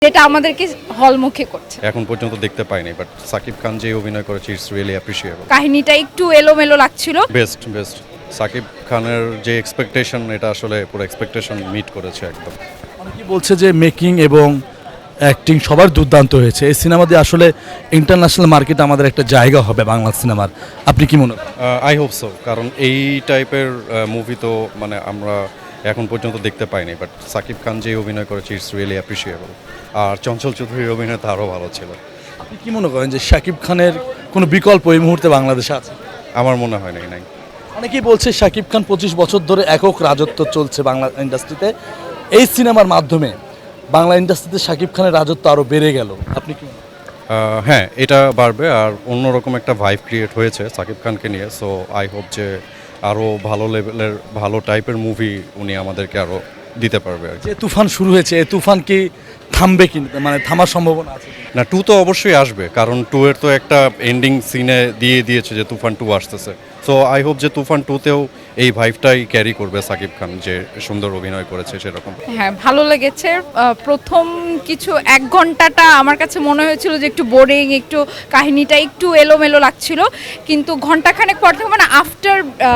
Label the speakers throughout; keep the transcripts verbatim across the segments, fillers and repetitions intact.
Speaker 1: যেটা আমাদেরকে হলমুখী করছে।
Speaker 2: এখন পর্যন্ত দেখতে পাইনি, বাট সাকিব খান যে অভিনয় করেছে ইটস রিয়েলি অ্যাপ্রিশিয়েবল।
Speaker 1: কাহিনীটা একটু এলোমেলো লাগছিল।
Speaker 2: বেস্ট বেস্ট সাকিব খানের যে এক্সপেকটেশন, এটা আসলে পুরো এক্সপেকটেশন মিট করেছে একদম।
Speaker 3: অনেকেই বলছে যে মেকিং এবং অ্যাক্টিং সবার দুর্দান্ত হয়েছে। এই সিনেমা দিয়ে আসলে ইন্টারন্যাশনাল মার্কেটে আমাদের একটা জায়গা হবে বাংলা সিনেমার। আপনি কি মনে করেন?
Speaker 2: আই হোপ সো, কারণ এই টাইপের মুভি তো মানে আমরা এখন পর্যন্ত দেখতে পাইনি, বাট সাকিব খান যে অভিনয় করেছে ইটস রিয়েলি অ্যাপ্রিশিয়েবল। আর চঞ্চল চৌধুরীর অভিনয় তো আরও ভালো ছিল।
Speaker 3: আপনি কি মনে করেন যে শাকিব খানের কোনো বিকল্প এই মুহূর্তে বাংলাদেশে আছে?
Speaker 2: আমার মনে হয় নাই নাই
Speaker 3: অনেকেই বলছে শাকিব খান পঁচিশ বছর ধরে একক রাজত্ব চলছে বাংলা ইন্ডাস্ট্রিতে। এই সিনেমার মাধ্যমে বাংলা ইন্ডাস্ট্রিতে শাকিব খানের রাজত্ব আরও বেড়ে গেল। আপনি কি মনে করেন?
Speaker 2: আহ, হ্যাঁ, এটা বাড়বে। আর অন্যরকম একটা ভাইব ক্রিয়েট হয়েছে সাকিব খানকে নিয়ে। সো আই হোপ যে আরও ভালো লেভেলের ভালো টাইপের মুভি উনি আমাদেরকে আরও দিতে পারবে আর কি।
Speaker 3: যে তুফান শুরু হয়েছে, এই তুফান কি থামবে কি, মানে থামার সম্ভাবনা আছে?
Speaker 2: না, টু তো অবশ্যই আসবে, কারণ টু এর তো একটা এন্ডিং সিনে দিয়ে দিয়েছে যে তুফান টু আসতেছে। সো আই হোপ যে তুফান টুতেও এই ভাইবটাই ক্যারি করবে সাকিব খান, যে সুন্দর অভিনয় করেছে সেরকম।
Speaker 1: হ্যাঁ, ভালো লেগেছে। আহ, প্রথম কিছু এক ঘন্টাটা আমার কাছে মনে হয়েছিল যে একটু বোরিং, একটু কাহিনীটা একটু এলোমেলো লাগছিল, কিন্তু ঘন্টাখানেক পর থেকে মানে আফটার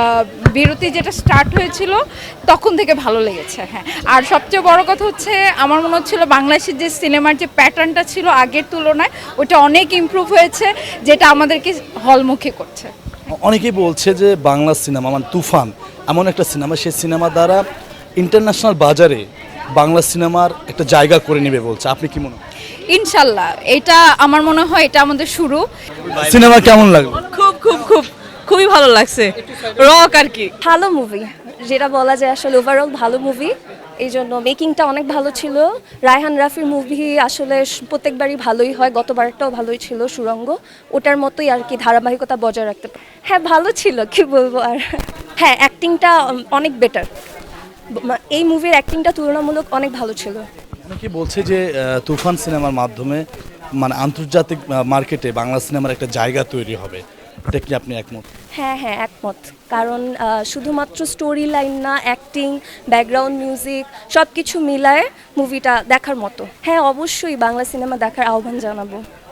Speaker 1: বিরতি যেটা স্টার্ট হয়েছিল তখন থেকে ভালো লেগেছে। হ্যাঁ, আর সবচেয়ে বড় কথা হচ্ছে আমার মনে হচ্ছিল বাংলাদেশের যে সিনেমার যে প্যাটার্নটা ছিল আগের তুলনায় ওটা অনেক ইমপ্রুভ হয়েছে, যেটা আমাদেরকে হলমুখী করছে।
Speaker 3: অনেকেই বলছে যে বাংলা সিনেমা মানে তুফান এমন একটা সিনেমা, সেই সিনেমা দ্বারা ইন্টারন্যাশনাল বাজারে বাংলা সিনেমার একটা জায়গা করে নেবে বলছে। আপনি কি মনে করেন?
Speaker 1: ইনশাল্লাহ, এটা আমার মনে হয় এটা আমাদের শুরু।
Speaker 3: সিনেমা কেমন লাগলো?
Speaker 4: খুব খুব খুব খুবই ভালো লাগছে। রক আর কি
Speaker 5: ভালো মুভি, যেটা বলা যায় আসলে ওভারঅল ভালো মুভি। এই জন্য মেকিংটা অনেক ভালো ছিল। রায়হান রাফির মুভি আসলে প্রত্যেকবারই ভালোই হয়, গতবারটাও ভালোই ছিল সুরঙ্গ, ওটার মতোই আর কি ধারাবাহিকতা বজায় রাখতে পারে। হ্যাঁ, ভালো ছিল, কি বলবো আর। হ্যাঁ, অ্যাক্টিংটা অনেক বেটার, এই মুভির অ্যাক্টিংটা তুলনামূলক অনেক ভালো ছিল।
Speaker 3: অনেকেই বলছে যে আহ, তুফান সিনেমার মাধ্যমে মানে আন্তর্জাতিক মার্কেটে বাংলা সিনেমার একটা জায়গা তৈরি হবে। এটা কি আপনি একমত?
Speaker 5: হ্যাঁ হ্যাঁ একমত, কারণ আহ, শুধুমাত্র স্টোরি লাইন না, অ্যাক্টিং, ব্যাকগ্রাউন্ড মিউজিক সব কিছু মিলায় মুভিটা দেখার মতো। হ্যাঁ, অবশ্যই বাংলা সিনেমা দেখার আহ্বান জানাবো।